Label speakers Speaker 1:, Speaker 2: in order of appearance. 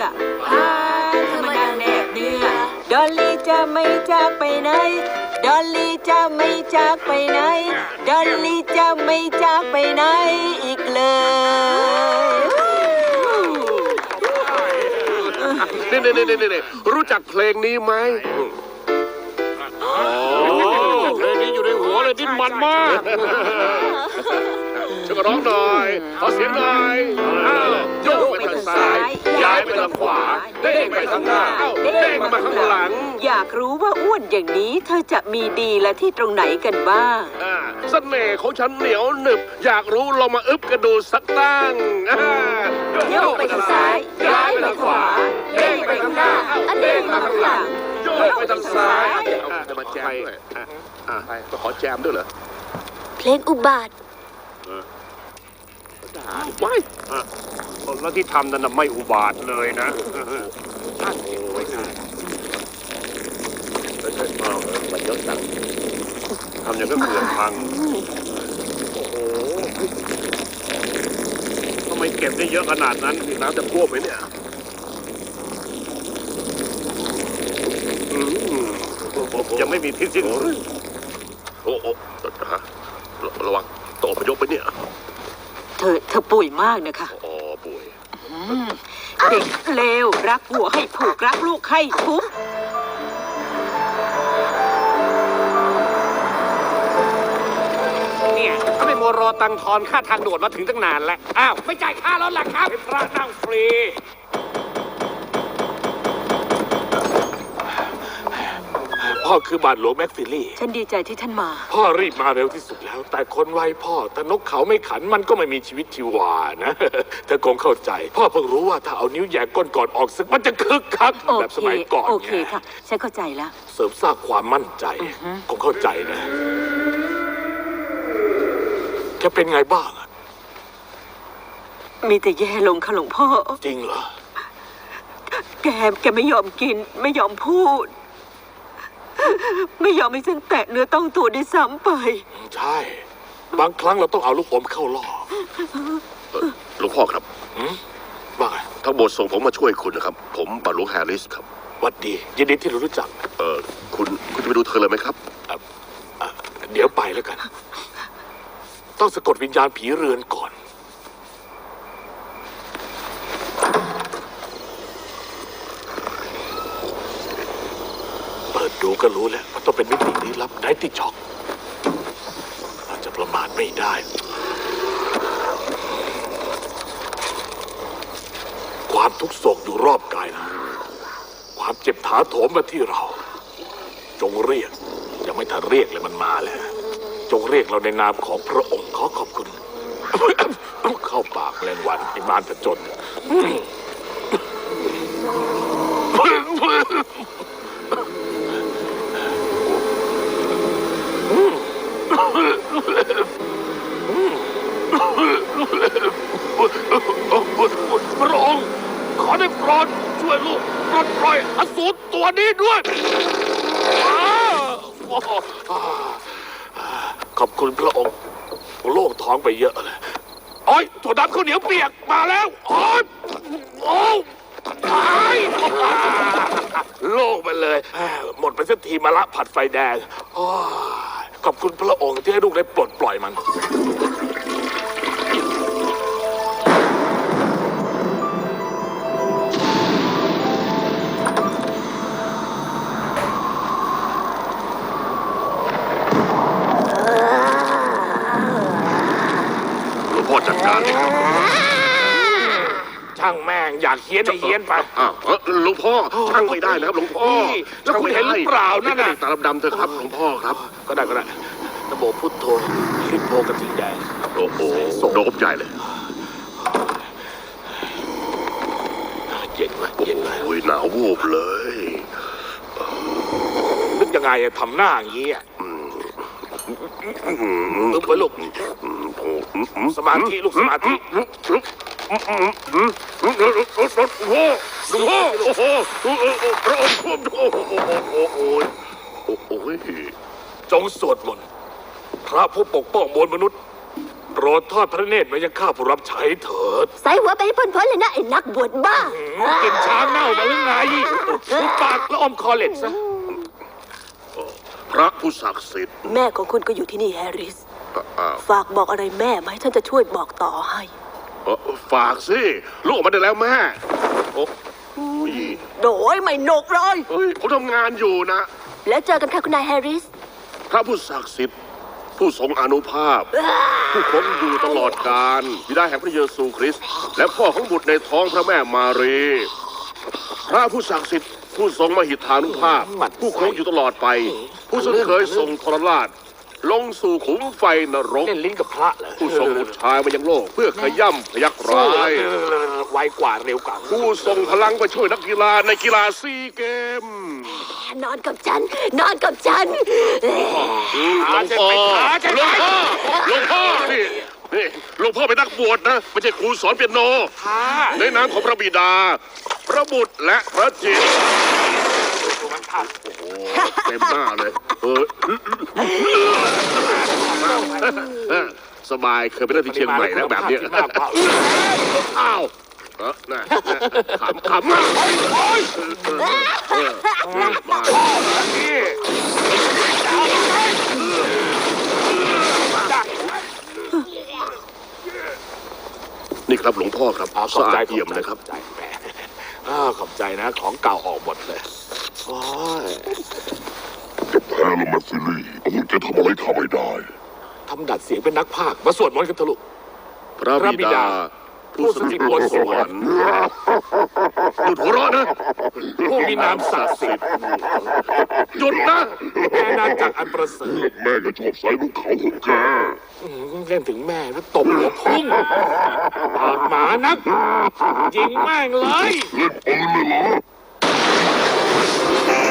Speaker 1: เธอมานั่งแนบเนื้อดอลลี่จะไม่จากไปไหนดอลลี่จะไม่จากไปไหนดอลลี่จะไม่จากไปไหนอีกเลย
Speaker 2: นี่รู้จักเพลงนี้ไหม
Speaker 3: เพลงนี้อยู่ในหัวเลยดิ้นมันมาก
Speaker 2: ช่วยกันร้องหน่อยขอเสียงหน่อยโยกไปทางซ้ายย้ายไปทางขวาเด้งไปทางหน้าเด้งมาข้างหลัง
Speaker 1: อยากรู้ว่าอ้วนอย่างนี้เธอจะมีดีและที่ตรงไหนกันบ้าง
Speaker 2: เสน่ห์ของฉันเหนียวหนึบอยากรู้ลองมาอึบกันดูสักตั้ง
Speaker 1: โยกไปทางซ้ายย้ายไปทางขวาเด้งไปทางหน้าเด้งมาข้างหลัง
Speaker 2: โยกไปทางซ้ายจะมาแจมด้วยก็ขอแจมด้วยเหรอ
Speaker 4: เพลงอุบาท
Speaker 2: ไม่
Speaker 3: แล้วที่ทำนั้นไม่อุบาทเลยนะ
Speaker 2: มันเยอะจังทำอย่างก็เขื่อนพังโอ้โหทำไมเก็บได้เยอะขนาดนั้นน้ำจะท่วมไหมเนี่ย
Speaker 3: ยังไม่มีที่สิ้น
Speaker 2: โอ้ระวังตกพยพไปเนี่ย
Speaker 1: เธอป่วยมากนะคะ
Speaker 2: ป่วย
Speaker 1: เด็กเลวรักผัวให้ผูกรักลูกให้ทุบ
Speaker 3: เนี่ยเขาไม่มัวรอตังทอนค่าทางด่วนมาถึงตั้งนานแล้วอ้าวไม่จ่ายค่ารถล่ะครับพระนั่งฟรีพ่อคือบาทหลวงแม็กฟิลลี่
Speaker 1: ฉันดีใจที่ท่านมา
Speaker 3: พ่อรีบมาเร็วที่สุดแล้วแต่คนไวพ่อแต่นกเขาไม่ขันมันก็ไม่มีชีวิตชีวานะเธอคงเข้าใจพ่อเพิ่งรู้ว่าถ้าเอานิ้วแหย่ก้นก่อนออกศึกมันจะคึกคักแบบสมัยก่อน
Speaker 1: โอเคค่ะฉันเข้าใจแล้ว
Speaker 3: เสริมสร้างความมั่นใจคงเข้าใจนะแกเป็นไงบ้าง
Speaker 1: มีแต่แย่ลงค่ะหลวงพ่อ
Speaker 3: จริงเหรอ
Speaker 1: แกไม่ยอมกินไม่ยอมพูดไม่ยอมให้ฉันแตะเนื้อต้องตัวได้ซ้ำไป
Speaker 3: ใช่บางครั้งเราต้องเอาลูกอมเข้าล่อ
Speaker 2: หลวงพ่อครับ
Speaker 3: ว่าไง
Speaker 2: ทั้งหมดส่งผมมาช่วยคุณนะครับผมบาทหลวงแฮร์ริสครับ
Speaker 3: วัดดียินดีที่เรารู้จัก
Speaker 2: คุณจะไปดูเธอเลยไหมครับ
Speaker 3: เดี๋ยวไปแล้วกันต้องสะกดวิญญาณผีเรือนก่อนเปิดดูก็รู้แล้วว่าต้องเป็นมิติลี้ลับไนท์ช็อคเราจะประมาทไม่ได้ความทุกข์โศกอยู่รอบกายนะความเจ็บถาโถมมาที่เราจงเรียกยังไม่ทันเรียกเลยมันมาแล้วจงเรียกเราในนามของพระองค์ขอขอบคุณเข้าปากแรงวันไอ้มารผจญพระองค์ขอได้โปรดช่วยลูกปลดปล่อยอสูรตัวนี้ด้วยขอบคุณพระองค์โล่งท้องไปเยอะเลยโอ้ยถั่วดำข้าวเหนียวเปียกมาแล้วโอ้ยโล่งไปเลยหมดไปสักทีมาละผัดไฟแดงขอบคุณพระองค์ที่ให้ลูกได้ปลดปล่อยมัน
Speaker 2: จัดการเลยครับ
Speaker 3: ช่างแม่งอยากเฮี้ยนเฮี้ยนไป
Speaker 2: หลวงพ่อช่างไม่ได้นะครับหลวงพ่อ
Speaker 3: แล้วคุณเห็นหรือเปล่านั่นน่ะ
Speaker 2: ตาดำๆเถอะครับหลวงพ่อครับ
Speaker 3: ก็ได้นะโมพุทโธริโพกระถิ่นแดง
Speaker 2: โอ้โหโดบใหญ่เลย
Speaker 3: เย็นไหมเย็นไหม
Speaker 2: โอ้ยหนาววูบเลย
Speaker 3: นึกยังไงทำหน้าอย่างนี้ตึ๊บไปลูกสมาธิลูกสมาธิ
Speaker 2: หลวงพ่อโอ้โหพระองค์ควบโอ้โห
Speaker 3: จงสวดมนต์พระผู้ปกป้องมวลมนุษย์โปรดทอดพระเนตรมายังข้าผู้รับใช้เถิด
Speaker 4: ใส่หัวไปให้พ้นๆเลยนะไอ้นักบวชบ้า
Speaker 3: กินช้างเน่ามาหรือไงหุบปากแล้วอมคอเหล็กซะ
Speaker 2: พระผู้ศักดิ์สิทธิ์
Speaker 1: แม่ของคุณก็อยู่ที่นี่แฮร์ริส
Speaker 2: อ้าว
Speaker 1: ฝากบอกอะไรแม่ไหมฉันจะช่วยบอกต่อให้
Speaker 2: ฝากสิลูกออกมาได้แล้วแม่โอ้ย
Speaker 1: โดยไม่หนกเลย
Speaker 2: เฮ้ยผมทำงานอยู่นะ
Speaker 4: แล้วเจอกันค่ะคุณนายแฮร์ริส
Speaker 2: พระผู้ศักดิ์สิทธิ์ผู้ทรงอานุภาพ ผู้คงอยู่ตลอดกาลบิดาแห่งพระเยซูคริสต์และพ่อของบุตรในท้องพระแม่มารีพระผู้ศักดิ์สิทธิ์ผู้ทรงมหิทธานุภาพ ผู้คงอยู่ตลอดไป ผู้ซึ่งเคยทรงทรราชลงสู่ขุมไฟนรก
Speaker 3: เล่นลิ้นกับพระเหรอ
Speaker 2: ผู้ทรงบุตรชายมายังโลก เพื่อขย่ำพยักร้าย
Speaker 3: ไวกว่าเร็วกว่า
Speaker 2: ผู้ทรงพลังไปช่วยนักกีฬาในกีฬาซีเกม
Speaker 4: นอนกับฉัน นอนกับฉัน
Speaker 2: หลวงพ่อหลวงพ่อนี่หลวงพ่อเป็นนักบวชนะไม่ใช่ครูสอนเปียโน ในนามของพระบิดา พระบุตรและพระจิตรเต็มหน้าเลยสบายเคยไปเล่นที่เชียงใหม่แล้วแบบเนี้ยอ้าวน่ะขำมานี่ครับหลวงพ่อครับ
Speaker 3: ขอบ
Speaker 2: สะ
Speaker 3: ใจ
Speaker 2: อาดเยี่ยมเลยครับ
Speaker 3: ขอบใจแหมขอบใจนะ ของเก่าออกหมดเลยโอ้ย
Speaker 5: แพ้แล้วแมสซิลี่อาวุธจะทำอะไรข้าไม่ได้
Speaker 3: ทำดัดเสียงเป็นนักพากย์มาสวดมนต์กันเถอะลูก
Speaker 2: พระบิดา ผู้สถิตบนสวรรค์หยุดหัวเราะนะ
Speaker 3: ผู้มีนามศักดิ์สิทธิ์
Speaker 2: หยุดนะ
Speaker 3: แม่นาจักรอันประเสริฐ
Speaker 5: แม่ก็ชอบใส่ลูกเขาของแก
Speaker 3: เล่นถึงแม่แล้วตบหัวพุ่งปากหมานักยิงแม่งเลย
Speaker 5: เล่นปืนเลยเหรอ